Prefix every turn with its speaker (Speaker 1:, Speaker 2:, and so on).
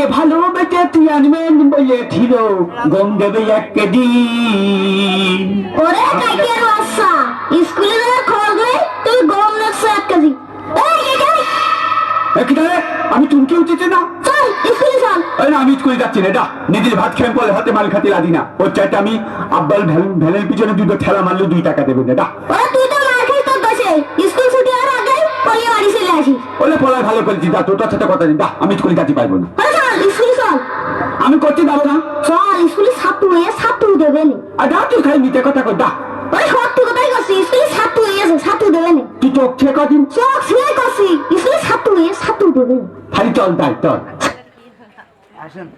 Speaker 1: ভালোবেসে তুই আনবেন বলেছিল গম দেবে একদিন।
Speaker 2: ওরে কাইকের বাচ্চা, স্কুলে যাওয়ার খবর নেই, তুই গম রাখছো 1 কেজি।
Speaker 1: আমি চুমকে উঠেছে না,
Speaker 2: চল স্কুলে চল।
Speaker 1: না আমি স্কুলে যাচ্ছি না, এটা নিজের ভাত খেয়ে পরে হাতে মাল খাতে লাদি না। ওর চাইতে আমি আব্বাল ভ্যানের পিছনে 2 ঠেলা মারলে 2 টাকা দেবেন, এটা।
Speaker 2: ওরে তুই তো মার খাই তোর দোষে, স্কুল ছুটি হওয়ার আগে পলিয়ে বাড়ি চলে আসিস।
Speaker 1: ওলে পড়ায় ভালো করেছি, দা তোর সাথে কথা দিন, দা আমি স্কুলে যেতে পারবো না।
Speaker 2: চল স্কুলে চল।
Speaker 1: আমি করতে যাবো না।
Speaker 2: চল স্কুলে ছাত্র হয়ে ছাত্র দেবে নি।
Speaker 1: আর দা তুই খাই নিতে কথা কর, দা।
Speaker 2: ওরে সত্যি কথাই করছি, স্কুলে ছাত্র হয়েছে, ছাত্র দেবে নি।
Speaker 1: তুই চোখ ছেয়ে কদিন
Speaker 2: চোখ ছিঁড়ে করছি, স্কুলে ছাত্র হয়ে ছাত্র দেবে নি।
Speaker 1: খালি চল, তাই চল।